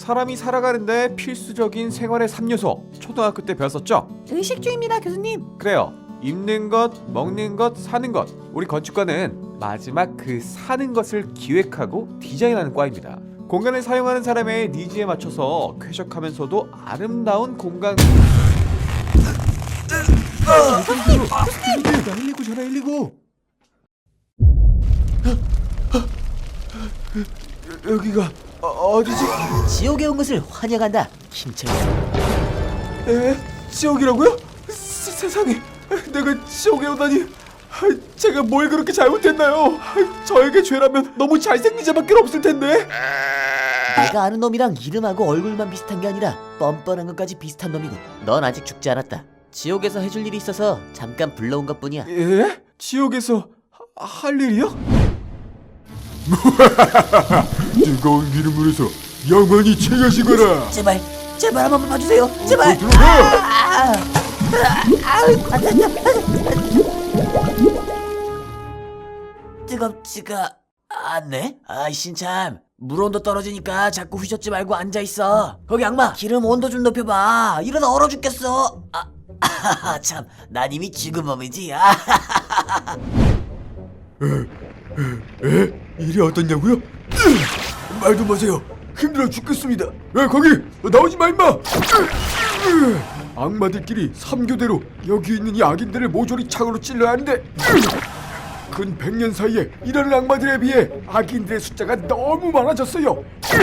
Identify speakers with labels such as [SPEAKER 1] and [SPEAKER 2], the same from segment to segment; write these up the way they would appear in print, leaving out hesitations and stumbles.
[SPEAKER 1] 사람이 살아가는데 필수적인 생활의 3요소 초등학교 때 배웠었죠?
[SPEAKER 2] 의식주입니다, 교수님.
[SPEAKER 1] 그래요. 입는 것, 먹는 것, 사는 것. 우리 건축과는 마지막 그 사는 것을 기획하고 디자인하는 과입니다. 공간을 사용하는 사람의 니즈에 맞춰서 쾌적하면서도 아름다운 공간.
[SPEAKER 2] 교수님!
[SPEAKER 1] 119 전화 119. 여기가 어디지?
[SPEAKER 2] 지옥에 온 것을 환영한다, 김철수.
[SPEAKER 1] 에? 지옥이라고요? 세상에, 내가 지옥에 오다니. 제가 뭘 그렇게 잘못했나요? 저에게 죄라면 너무 잘생긴 자밖에 없을 텐데.
[SPEAKER 2] 내가 아는 놈이랑 이름하고 얼굴만 비슷한 게 아니라 뻔뻔한 것까지 비슷한 놈이고, 넌 아직 죽지 않았다. 지옥에서 해줄 일이 있어서 잠깐 불러온 것뿐이야.
[SPEAKER 1] 예? 지옥에서 할 일이요?
[SPEAKER 3] 뜨거운 기름물에서 영원히 채여지거라.
[SPEAKER 2] 제발 한 번만 봐주세요. 제발.
[SPEAKER 3] 들어가.
[SPEAKER 2] 뜨겁지가 않네. 아이씨 참. 물 온도 떨어지니까 자꾸 휘젓지 말고 앉아 있어. 거기 악마, 기름 온도 좀 높여봐. 이러다 얼어 죽겠어. 참, 난 이미 죽은 몸이지.
[SPEAKER 3] 일이 어떻냐고요? 말도 마세요. 힘들어 죽겠습니다. 야 거기 나오지 마 임마. 악마들끼리 3교대로 여기 있는 이 악인들을 모조리 창으로 찔러야 하는데 근 100년 사이에 이런 악마들에 비해 악인들의 숫자가 너무 많아졌어요.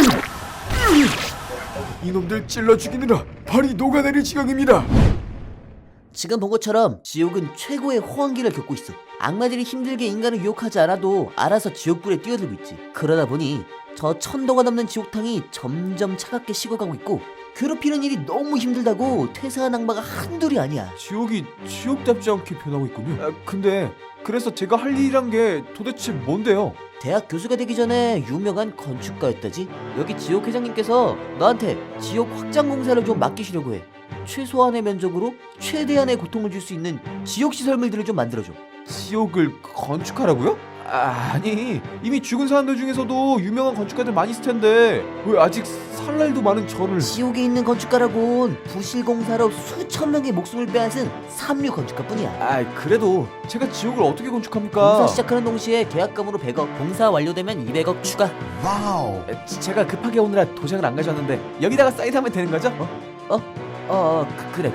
[SPEAKER 3] 이놈들 찔러 죽이느라 발이 녹아내릴 지경입니다.
[SPEAKER 2] 지금 본 것처럼 지옥은 최고의 호황기를 겪고 있어. 악마들이 힘들게 인간을 유혹하지 않아도 알아서 지옥불에 뛰어들고 있지. 그러다 보니 저 1000도가 넘는 지옥탕이 점점 차갑게 식어가고 있고, 괴롭히는 일이 너무 힘들다고 퇴사한 악마가 한둘이 아니야.
[SPEAKER 1] 지옥이 지옥답지 않게 변하고 있군요. 근데 그래서 제가 할 일이란 게 도대체 뭔데요?
[SPEAKER 2] 대학 교수가 되기 전에 유명한 건축가였다지. 여기 지옥 회장님께서 너한테 지옥 확장 공사를 좀 맡기시려고 해. 최소한의 면적으로 최대한의 고통을 줄 수 있는 지옥 시설물들을 좀 만들어줘.
[SPEAKER 1] 지옥을 건축하라고요? 아니, 이미 죽은 사람들 중에서도 유명한 건축가들 많이 있을 텐데 왜 아직 살 날도 많은 저를.
[SPEAKER 2] 지옥에 있는 건축가라곤 부실 공사로 수천 명의 목숨을 빼앗은 삼류 건축가뿐이야.
[SPEAKER 1] 그래도 제가 지옥을 어떻게 건축합니까?
[SPEAKER 2] 공사 시작하는 동시에 계약금으로 100억, 공사 완료되면 200억 추가.
[SPEAKER 1] 와우. 제가 급하게 오느라 도장을 안 가져왔는데 여기다가 사인하면 되는 거죠?
[SPEAKER 2] 그래.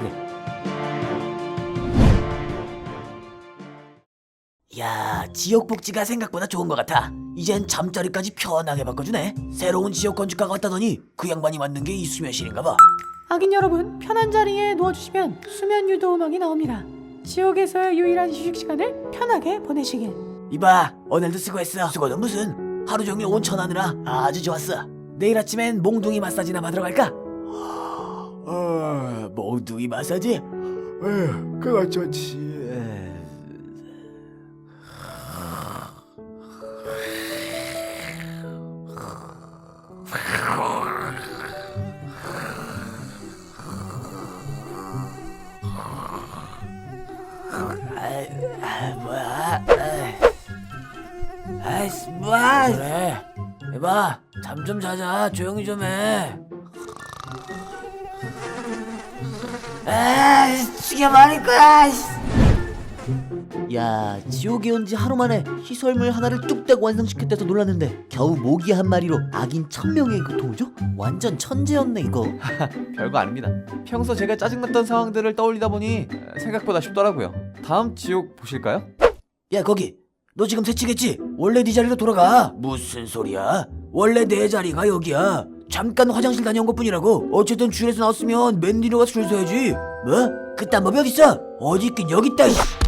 [SPEAKER 2] 야, 지옥 복지가 생각보다 좋은 것 같아. 이젠 잠자리까지 편하게 바꿔주네. 새로운 지옥 건축가가 왔다더니 그 양반이 만든 게 이 수면실인가 봐.
[SPEAKER 4] 악인 여러분, 편한 자리에 누워주시면 수면 유도 음악이 나옵니다. 지옥에서의 유일한 휴식 시간을 편하게 보내시길.
[SPEAKER 2] 이봐, 오늘도 수고했어. 수고는 무슨, 하루 종일 온천하느라 아주 좋았어. 내일 아침엔 몽둥이 마사지나 받으러 갈까? 몽둥이 마사지?
[SPEAKER 3] 그거 좋지.
[SPEAKER 2] 뭐야? 그래, 이봐, 잠 좀 자자. 조용히 좀 해. 죽여버릴 거야. 야, 지옥에 온 지 하루 만에 시설물 하나를 뚝딱 완성시켰다서 놀랐는데 겨우 모기 한 마리로 악인 1000명의 고통을 줘? 완전 천재였네 이거.
[SPEAKER 1] 별거 아닙니다. 평소 제가 짜증났던 상황들을 떠올리다 보니 생각보다 쉽더라고요. 다음 지옥 보실까요?
[SPEAKER 2] 야, 거기 너 지금 새치겠지? 원래 네 자리로 돌아가. 무슨 소리야? 원래 내 자리가 여기야. 잠깐 화장실 다녀온 것뿐이라고. 어쨌든 줄에서 나왔으면 맨 뒤로 가서 줄 서야지. 뭐? 그딴 법이 어딨어? 어디 있긴 여기 있다.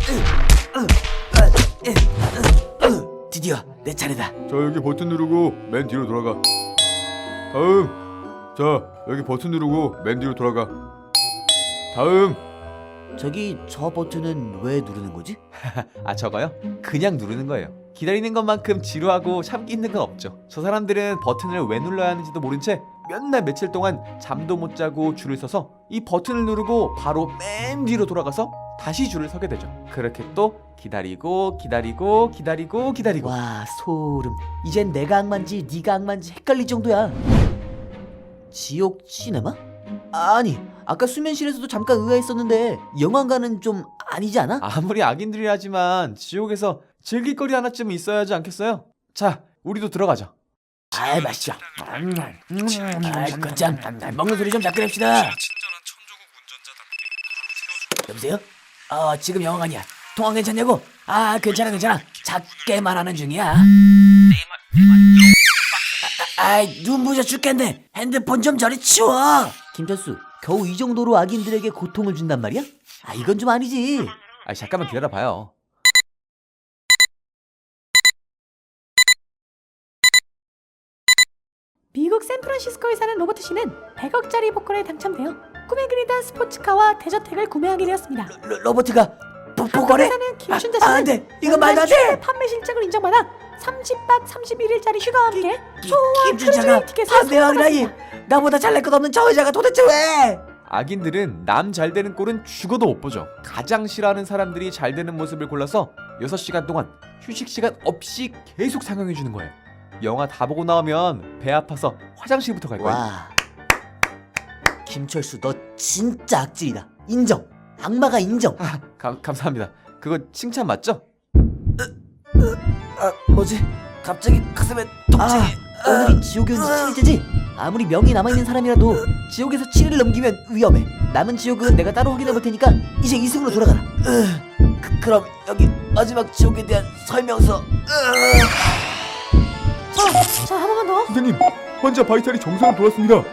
[SPEAKER 2] 드디어 내 차례다.
[SPEAKER 3] 자 여기 버튼 누르고 맨 뒤로 돌아가. 다음. 자 여기 버튼 누르고 맨 뒤로 돌아가. 다음.
[SPEAKER 2] 저기 저 버튼은 왜 누르는 거지?
[SPEAKER 1] 저거요? 그냥 누르는 거예요. 기다리는 것만큼 지루하고 참기 힘든 건 없죠. 저 사람들은 버튼을 왜 눌러야 하는지도 모른 채 몇 날 며칠 동안 잠도 못 자고 줄을 서서 이 버튼을 누르고 바로 맨 뒤로 돌아가서 다시 줄을 서게 되죠. 그렇게 또 기다리고
[SPEAKER 2] 와, 소름. 이젠 내가 악마인지 네가 악마인지 헷갈릴 정도야. 지옥 시네마? 아니, 아까 수면실에서도 잠깐 의아했었는데 영화관은 좀 아니지 않아?
[SPEAKER 1] 아무리 악인들이라지만 지옥에서 즐길 거리 하나쯤은 있어야 하지 않겠어요? 자, 우리도 들어가자.
[SPEAKER 2] 아이, 맛있어. 거참 먹는 소리 좀 작게 합시다. 여보세요? 지금 영화관이야. 통화 괜찮냐고? 괜찮아. 작게 말하는 중이야. 눈 부셔 죽겠네. 핸드폰 좀 저리 치워. 김철수, 겨우 이 정도로 악인들에게 고통을 준단 말이야? 이건 좀 아니지.
[SPEAKER 1] 잠깐만 기다려봐요.
[SPEAKER 4] 미국 샌프란시스코에 사는 로버트 씨는 100억짜리 복권에 당첨되어 꿈에 그리던 스포츠카와 대저택을 구매하게 되었습니다.
[SPEAKER 2] 로버트가 복권에?
[SPEAKER 4] 사는 김춘자 씨는
[SPEAKER 2] 안 돼. 이거 말도 안 돼.
[SPEAKER 4] 최대 판매 실적을 인정받아 30박 31일짜리 휴가와 함께 소소한
[SPEAKER 2] 김춘자가
[SPEAKER 4] 크루즈 티켓을
[SPEAKER 2] 대왕이라니.
[SPEAKER 4] 선물받았습니다.
[SPEAKER 2] 나보다 잘날 것 없는 저 여자가 도대체 왜?
[SPEAKER 1] 악인들은 남 잘 되는 꼴은 죽어도 못 보죠. 가장 싫어하는 사람들이 잘 되는 모습을 골라서 6시간 동안 휴식 시간 없이 계속 상영해 주는 거예요. 영화 다 보고 나오면 배 아파서 화장실부터 갈 거야.
[SPEAKER 2] 와, 김철수 너 진짜 악질이다. 인정. 악마가 인정.
[SPEAKER 1] 감사합니다. 그거 칭찬 맞죠?
[SPEAKER 2] 뭐지? 갑자기 가슴에 통증이. 오늘이 지옥의 7일째지? 아무리 명이 남아있는 사람이라도 지옥에서 7일 넘기면 위험해. 남은 지옥은 내가 따로 확인해 볼 테니까 이제 이승으로 돌아가라. 그럼 여기 마지막 지옥에 대한 설명서.
[SPEAKER 4] 자, 한 번만 더.
[SPEAKER 3] 선생님, 환자 바이탈이 정상으로 돌았습니다.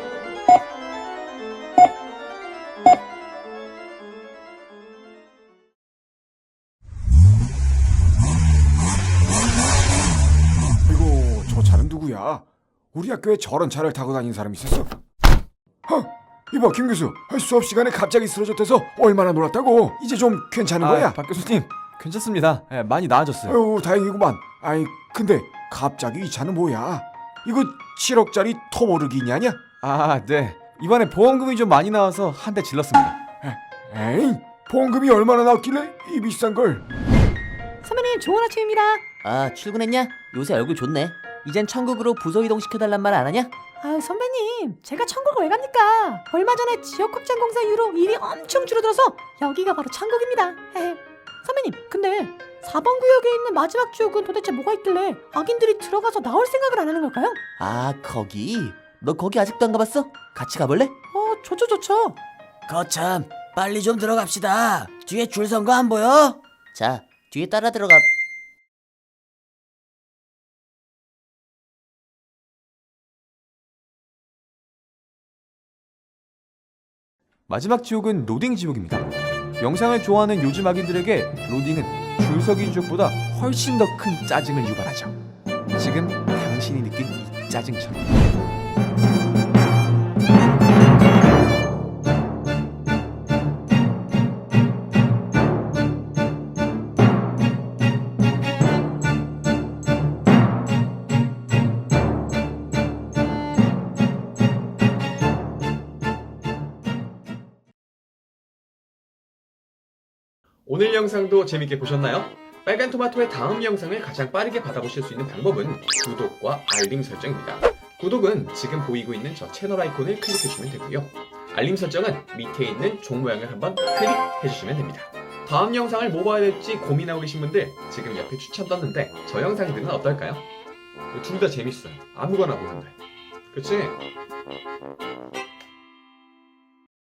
[SPEAKER 3] 아이고, 저 차는 누구야? 우리 학교에 저런 차를 타고 다니는 사람이 있었어? 이봐, 김 교수. 수업 시간에 갑자기 쓰러졌대서 얼마나 놀았다고? 이제 좀 괜찮은 거야?
[SPEAKER 1] 박 교수님 괜찮습니다. 많이 나아졌어요.
[SPEAKER 3] 아유, 다행이구만. 근데 갑자기 이 차는 뭐야? 이거 7억짜리 토모르기니 아니야?
[SPEAKER 1] 네. 이번에 보험금이 좀 많이 나와서 한 대 질렀습니다.
[SPEAKER 3] 에이, 보험금이 얼마나 나왔길래 이 비싼 걸?
[SPEAKER 4] 선배님, 좋은 아침입니다.
[SPEAKER 2] 출근했냐? 요새 얼굴 좋네. 이젠 천국으로 부서 이동시켜달란 말 안 하냐?
[SPEAKER 4] 선배님, 제가 천국을 왜 갑니까? 얼마 전에 지역 확장 공사 이후로 일이 엄청 줄어들어서 여기가 바로 천국입니다. 선배님, 근데 4번 구역에 있는 마지막 지옥은 도대체 뭐가 있길래 악인들이 들어가서 나올 생각을 안 하는 걸까요?
[SPEAKER 2] 거기? 너 거기 아직도 안 가봤어? 같이 가볼래?
[SPEAKER 4] 좋죠.
[SPEAKER 2] 거참, 빨리 좀 들어갑시다. 뒤에 줄 선 거 안 보여? 자, 뒤에 따라 들어가.
[SPEAKER 1] 마지막 지옥은 로딩 지옥입니다. 영상을 좋아하는 요즘 악인들에게 로딩은 줄서기 지옥보다 훨씬 더 큰 짜증을 유발하죠. 지금 당신이 느낀 이 짜증처럼.
[SPEAKER 5] 오늘 영상도 재밌게 보셨나요? 빨간 토마토의 다음 영상을 가장 빠르게 받아보실 수 있는 방법은 구독과 알림 설정입니다. 구독은 지금 보이고 있는 저 채널 아이콘을 클릭해주시면 되고요. 알림 설정은 밑에 있는 종 모양을 한번 클릭해주시면 됩니다. 다음 영상을 뭐 봐야 될지 고민하고 계신 분들 지금 옆에 추천 떴는데 저 영상들은 어떨까요? 둘 다 재밌어요. 아무거나 보는데. 그치?